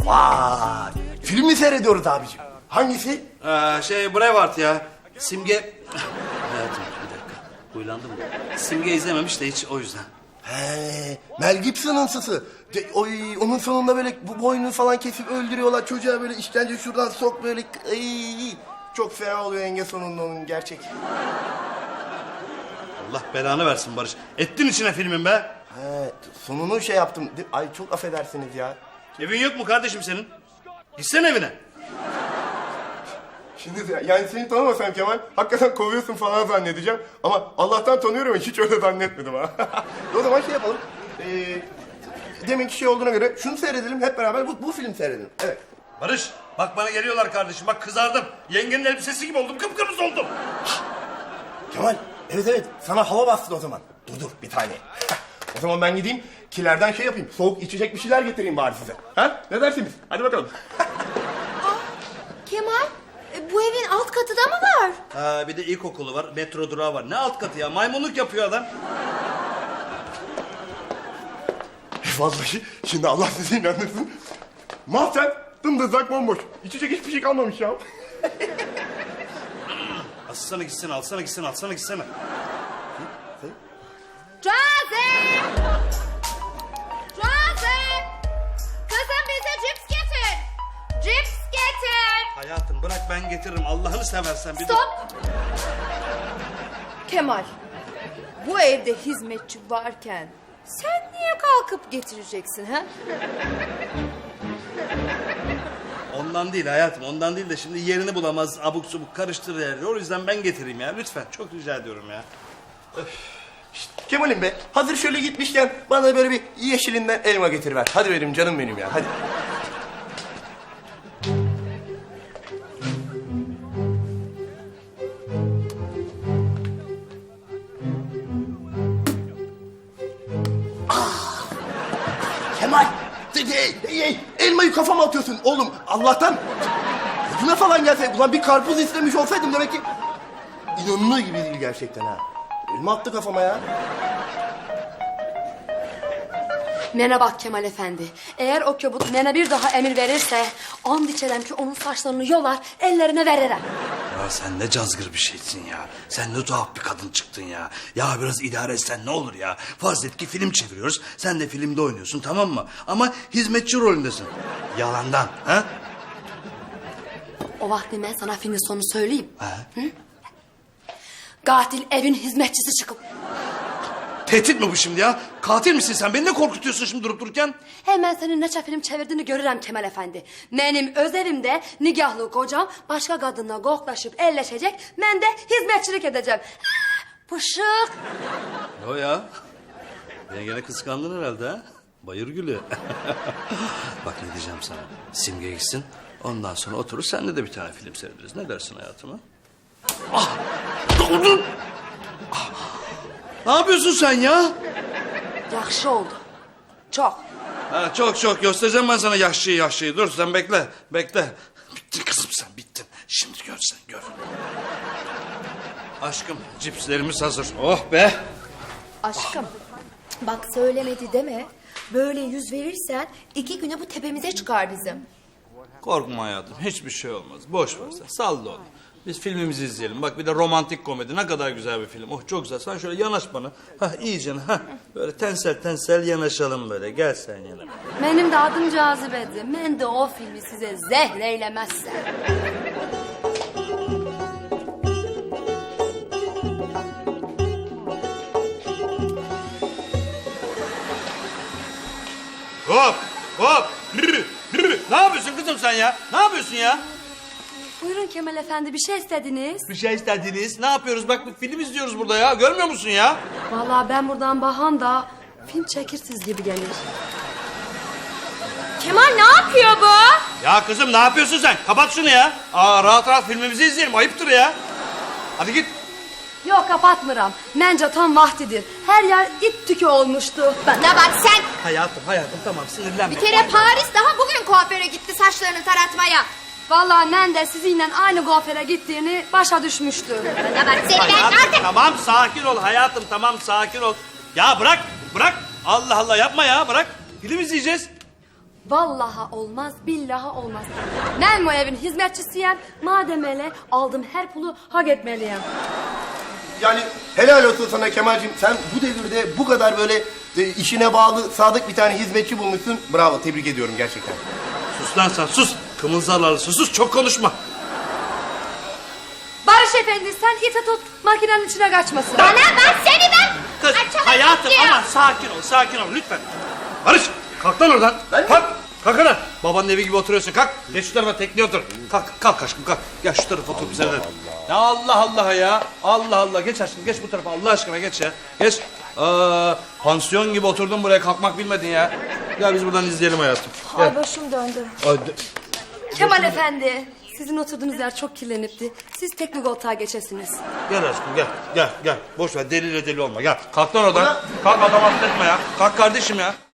Vay! Film mi seyrediyoruz abiciğim? Hangisi? Braveheart ya. Simge... Hayatım bir dakika. Huylandım mı? Simge izlememiş de hiç o yüzden. He, Mel Gibson'ın sısı. Oy, onun sonunda böyle bu boynunu falan kesip öldürüyorlar. Çocuğa böyle işkence şuradan sok böyle. Ay, çok fena oluyor enge sonunda onun gerçek. Allah belanı versin Barış. Ettin içine filmin be. He, sonunu şey yaptım. Ay çok affedersiniz ya. Evin yok mu kardeşim senin? Gitsene evine. Şimdi yani seni tanımasam Kemal, hakikaten kovuyorsun falan zannedeceğim. Ama Allah'tan tanıyorum ya, hiç öyle zannetmedim ha. O zaman şey yapalım. Deminki şey olduğuna göre şunu seyredelim hep beraber, bu film seyredelim. Evet. Barış bak bana geliyorlar kardeşim. Bak kızardım. Yengenin elbisesi gibi oldum. Kıpkırmızı oldum. Kemal, evet sana hava bastı o zaman. Dur bir tane. O zaman ben gideyim kilerden şey yapayım. Soğuk içecek bir şeyler getireyim bari size. Ha? Ne dersiniz? Hadi bakalım. Kemal, bu evin alt katı da mı var? Ha, bir de ilkokulu var. Metro durağı var. Ne alt katı ya? Maymunluk yapıyor adam. Vallahi şimdi Allah sizi inandırsın. Mahzen dımdızlak bomboş. İçecek hiçbir şey kalmamış ya. Alsana gitsene, alsana gitsene, alsana gitsene. Joseph! Joseph! Kızım bize cips getir. Cips getir. Hayatım bırak ben getiririm. Allah'ını seversen bir dur. Stop! Kemal, bu evde hizmetçi varken sen niye kalkıp getireceksin ha? Ondan değil hayatım, ondan değil de şimdi yerini bulamaz, abuk subuk karıştırır yerleri. O yüzden ben getireyim ya, lütfen. Çok rica ediyorum ya. Kemal'im be, hazır şöyle gitmişken bana böyle bir yeşilinden elma getiriver. Hadi benim canım benim ya, hadi. Kemal, elmayı kafama atıyorsun oğlum. Allah'tan gözüme falan gelse, ulan bir karpuz istemiş olsaydım demek ki... İnanılır gibi değil gerçekten ha. Elma attı kafama ya. Nene bak Kemal Efendi. Eğer o köbut nene bir daha emir verirse... ...and içerim ki onun saçlarını yolar, ellerine veririm. Ya sen ne cazgır bir şeysin ya. Sen ne tuhaf bir kadın çıktın ya. Ya biraz idare etsen ne olur ya. Farz et ki film çeviriyoruz. Sen de filmde oynuyorsun, tamam mı? Ama hizmetçi rolündesin. Yalandan ha? O vakti ben sana filmin sonunu söyleyeyim. Ha? Hı? Katil evin hizmetçisi çıkıp... Tehdit mi bu şimdi ya? Katil misin sen? Beni ne korkutuyorsun şimdi durup dururken? Hemen senin neçe film çevirdiğini görürüm Kemal Efendi. Benim öz evimde nigahlı kocam başka kadınla koklaşıp elleşecek. Ben de hizmetçilik edeceğim. Pışık. O ya. Beni gene kıskandın herhalde ha? Bayır gülü. Bak ne diyeceğim sana. Simge gitsin. Ondan sonra oturur senle de bir tane film seyrederiz. Ne dersin hayatıma? Ah! Doldun! Ah! Ne yapıyorsun sen ya? Yakşı oldu. Çok. Ha, çok göstereceğim ben sana yaşlıyı. Dur sen bekle. Bittin kızım sen bittin. Şimdi gör sen gör. Aşkım cipslerimiz hazır. Oh be. Aşkım, bak söylemedi deme. Böyle yüz verirsen 2 güne bu tepemize çıkar bizim. Korkma hayatım hiçbir şey olmaz. Boş ver sen salla onu. Biz filmimizi izleyelim. Bak bir de romantik komedi ne kadar güzel bir film. Oh çok güzel. Sen şöyle yanaş bana. Hah iyice ha. Böyle tensel yanaşalım böyle. Gel sen yana. Benim de adım Cazibe'di. Ben de o filmi size zehreylemezsem. Hop. Ne yapıyorsun kızım sen ya? Ne yapıyorsun ya? Buyurun Kemal Efendi, bir şey istediniz. Bir şey istediniz. Ne yapıyoruz? Bak film izliyoruz burada ya. Görmüyor musun ya? Vallahi ben buradan bahan da film çekirsiz gibi gelir. Kemal ne yapıyor bu? Ya kızım ne yapıyorsun sen? Kapat şunu ya. Aa, rahat filmimizi izleyelim. Ayıptır ya. Hadi git. Yok kapatmıram. Bence tam vaktidir. Her yer it tükü olmuştu. Bana bak sen. Hayatım tamam sinirlenme. Bir kere Paris daha bugün kuaföre gitti saçlarını taratmaya. Vallahi ben de sizinle aynı kuaföre gittiğini başa düşmüştüm. Bana bak seni ben Hayatım, artık. tamam sakin ol hayatım tamam sakin ol. Ya bırak. Allah Allah yapma ya bırak. Film izleyeceğiz. Vallaha olmaz, billaha olmaz. Ben bu evin hizmetçisiyim. Madem öyle aldım her pulu hak etmeliyim. Yani helal olsun sana Kemal'cim. Sen bu devirde bu kadar böyle işine bağlı, sadık bir tane hizmetçi bulmuşsun. Bravo, tebrik ediyorum gerçekten. Sus lan sen sus. Kımıldarlar sus çok konuşma. Barış Efendi sen iti tut makinenin içine kaçmasın. Bana bak seni ben. Kız Açamam hayatım diyor. ama sakin ol lütfen. Barış kalk lan oradan. Kalk. Kalk lan. Babanın evi gibi oturuyorsun kalk. Geç şu tarafa tekneye otur. Kalk aşkım kalk. Gel şu tarafa otur bize de. Ya Allah ya. Allah geç aşkım geç bu tarafa Allah aşkına geç ya. Geç. Pansiyon gibi oturdun buraya kalkmak bilmedin ya. Gel biz buradan izleyelim hayatım. Ay başım döndü. Hadi. Kemal Efendi sizin oturduğunuz yer çok kirlenipti. Siz teknik koltuğa geçesiniz. Gel aşkım gel. Boş ver deli olma gel. Kalk lan oradan. Kalk adam affetme ya. Kalk kardeşim ya.